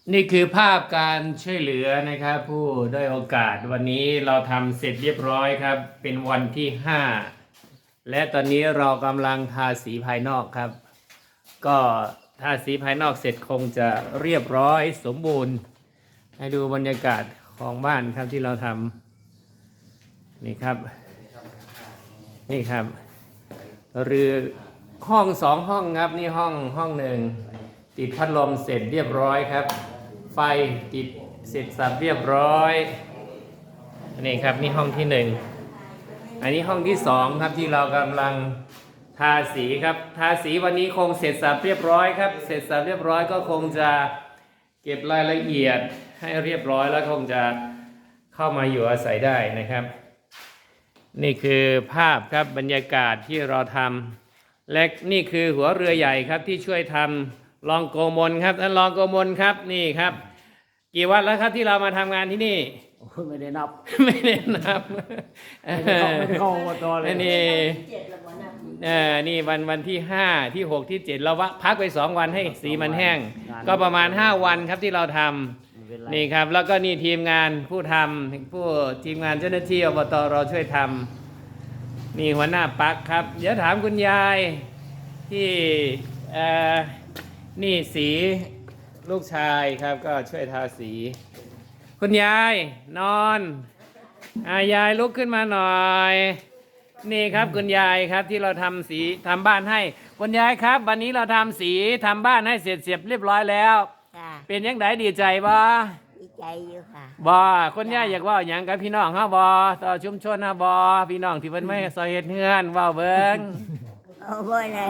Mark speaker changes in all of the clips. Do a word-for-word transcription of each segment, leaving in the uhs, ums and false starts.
Speaker 1: นี่คือภาพการช่วยเหลือนะครับผู้ด้อยโอกาสวันนี้เราทำเสร็จเรียบร้อยครับเป็นวันที่ห้าและตอนนี้เรากำลังทาสีภายนอกครับก็ทาสีภายนอกเสร็จคงจะเรียบร้อยสมบูรณ์ให้ดูบรรยากาศของบ้านครับที่เราทำนี่ครับนี่ครับหรือห้องสองห้องครับนี่ห้องห้องหนึ่งติดพัดลมเสร็จเรียบร้อยครับไฟติดเสร็จสับเรียบร้อยนี่ครับนี่ห้องที่หนึ่งอันนี้ห้องที่สองครับที่เรากำลังทาสีครับทาสีวันนี้คงเสร็จสับเรียบร้อยครับเสร็จสับเรียบร้อยก็คงจะเก็บรายละเอียดให้เรียบร้อยแล้วคงจะเข้ามาอยู่อาศัยได้นะครับนี่คือภาพครับบรรยากาศที่เราทำและนี่คือหัวเรือใหญ่ครับที่ช่วยทำรองโกมลครับท่านรองโกมลครับนี่ครับกี่วันแล้วครับที่เรามาทำงานที่นี่
Speaker 2: ไม่ได้นับ
Speaker 1: ไม่ได้นับ
Speaker 2: ไม่ได้เข้าไม่ได้เข้าอบตเลย
Speaker 1: นี่เออนี่วันวันที่ห้าที่หกที่เจ็ดเราพักไปสองวันให้สีมันแห้งก็ประมาณห้าวันครับที่เราทำนี่ครับแล้วก็นี่ทีมงานผู้ทำผู้ทีมงานเจ้าหน้าที่อบตเราช่วยทำนี่หัวหน้าปักครับเดี๋ยวถามคุณยายที่เอ่อนี่สีลูกชายครับก็ช่วยทาสีคุณยายนอนอายายลุกขึ้นมาหน่อยนี่ครับคุณยายครับที่เราทำสีทำบ้านให้คุณยายครับวันนี้เราทำสีทำบ้านให้เสร็จเรียบเรียบร้อยแล้วเป็นยังไงดีใจบ่
Speaker 3: ดีใจอยู่ค่ะ
Speaker 1: บ่คุณยายอยากว่าอย่างกับพี่น้องเฮาบ่ต่อชุมชนเฮาบ่พี่น้องที่เพิ่นไม่ซอยเฮ็ดเฮือนเว้าเบิ่ง
Speaker 3: โอ้บ่ได้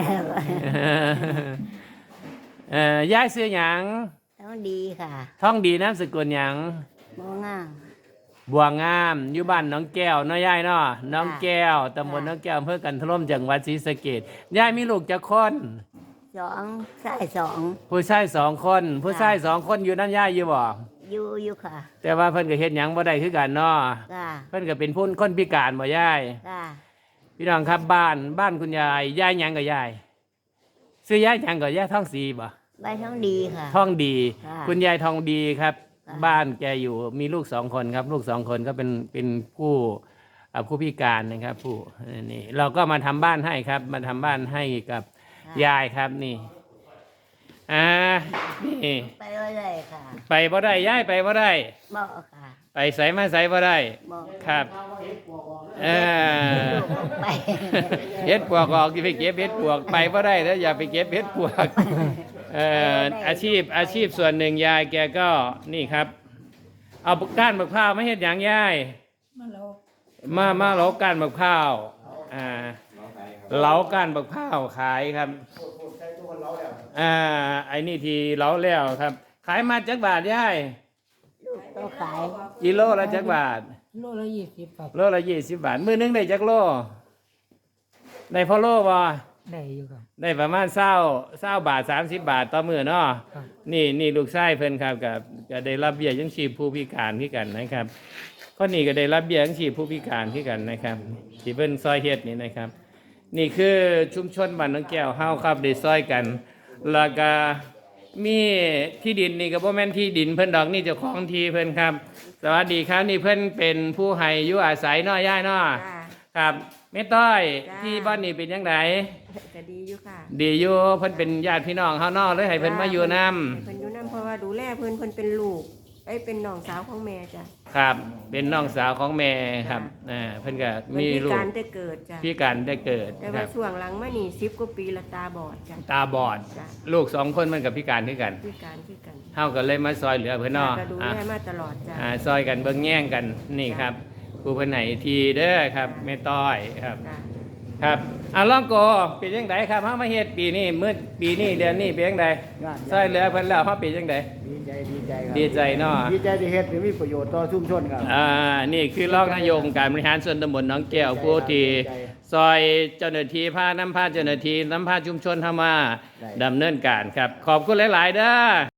Speaker 1: เอ่อยายชื่อหยัง
Speaker 3: ท้องดีค่ะ
Speaker 1: ท้องดีนามสกุลหยัง
Speaker 3: บัวงาม
Speaker 1: บัวงามอยู่บ้านน้องแก้วเนาะยายเนาะน้องแก้วตำบลน้องแก้วอำเภอกันทล่มจังหวัดศรีสะเกษยายมีลูกจักคน
Speaker 3: สองชายสอง
Speaker 1: ผู้ชายสองคนผู้ชายสองคนอยู่นั่นยายอยู่บ่
Speaker 3: อยู่อยู่ค่ะ
Speaker 1: แต่ว่าเพิ่นก็เฮ็ดหยังบ่ได้คือกันเนาะเพิ่นก็เป็นผู้คนพิการบ่ยายพี่น้องครับบ้านบ้านคุณยายยายหยังกับยายซื้อยายหยังกับยายท่องสีบ่
Speaker 3: ใบท้องดีค่ะ
Speaker 1: ท่องดีคุณยายทองดีครับบ้านแกอยู่มีลูกสองคนครับลูกสองคนก็เป็นเป็นผู้ผู้พิการนะครับผู้นี่เราก็มาทำบ้านให้ครับมาทำบ้านให้กับยายครับนี่อ่านี่
Speaker 3: ไปบ่ได้ค่ะ
Speaker 1: ไปบ่ได้ยายไปบ่ได้
Speaker 3: บ่ค่ะ
Speaker 1: ไปใส่มาใส่บ่ได้ครับเออ
Speaker 3: ไป
Speaker 1: เฮ็ดปวกออกที่ไปเก็บเฮ็ดปวกไปบ่ได้แล้วอย่าไปเก็บเฮ็ดปวกเอ่ออาชีพอาชีพส่วนหนึ่งยายแกก็นี่ครับเอาก้านมะพร้าวไม่เห็นอย่างยายมามาเหลาก้านมะพร้าวอ่าเหลาก้านมะพร้าวขายครับอ่าไอ้นี่ทีเหลาแล้วครับขายมาจักบาทยาย
Speaker 3: ต้องขาย
Speaker 1: กิโลละจักบาท
Speaker 2: โลละยี่สิบครับ
Speaker 1: โลละยี่สิบบาทมื้อนึงได้จักโลได้พอโลบ่
Speaker 2: ได้อยู่ครับ
Speaker 1: ได้ประมาณเศร้าเศร้าบาทสามสิบบาทต่อมื้อเนาะนี่นี่ลูกชายเพิ่นครับกับก็ได้รับเบี้ยยังชีพผู้พิการที่กันนะครับคนนี้ก็ได้รับเบี้ยยังชีพผู้พิการที่กันนะครับที่เพิ่นซอยเฮ็ดนี่นะครับนี่คือชุมชนบ้านน้องแก้วเฮาครับได้ซอยกันแล้วก็มีที่ดินนี่ก็บ่แม่นที่ดินเพิ่นดอกนี่เจ้าของที่เพิ่นครับสวัสดีครับนี่เพิ่นเป็นผู้ให้อยู่อาศัยเนาะย่ายเนาะครับแม่ต้อยที่บ้านนี่เป็นยังไง
Speaker 3: ก็ดีอยู่ค่ะ
Speaker 1: ดีอยู่เพิ่นเป็นญาติพี่น้องเฮาเนาะเลยให้เพิ่นมาอยู่นำ
Speaker 3: เพิ่นอยู่นำเพราะว่าดูแลเพิ่นเพิ่นเป็นลูกไอ้เป็นน้องสาวของแม่จ้ะ
Speaker 1: ครับเป็นน้องสาวของแม่ครับอ่าเพิ่นก็มีลูก
Speaker 3: พิการได้เกิดจ้ะ
Speaker 1: พิการได้เกิด
Speaker 3: แต่ว่าช่วงหลังมานี่สิบกว่าปีละตาบอดจ้ะ
Speaker 1: ตาบอดลูกสองคนมันก็พิการคือกัน
Speaker 3: พิการคือกัน
Speaker 1: เฮาก็เลยมาซอยเหลือเพิ่นเนาะ
Speaker 3: ก็ดูแลมาตลอดจ้ะ
Speaker 1: อ่าซอยกันเบิ่งแย่งกันนี่ครับผู้เพิ่นให้ทีเด้อครับแม่ต้อยครับครับอ่ะลองโกเป็นจังไดครับเฮามาเฮ็ดปีนี้มื้อปีนี้เดือนนี้เป็นจังไดซอยเหลือเพิ่นแล้วเฮาเป็นจังได
Speaker 2: ดีใจดีใจครับ
Speaker 1: ดีใจเนาะ
Speaker 2: ดีใจที่เฮ็ดมีประโยชน์ต่อชุมชนครับ
Speaker 1: อ่านี่คือรองนายกองค์การบริหารส่วนตำบลหนองแก้วผู้ที่ซอยเจ้าหน้าที่พานำพาเจ้าหน้าที่นำพาชุมชนเฮามาดำเนินการครับขอบคุณหลายๆเด้อ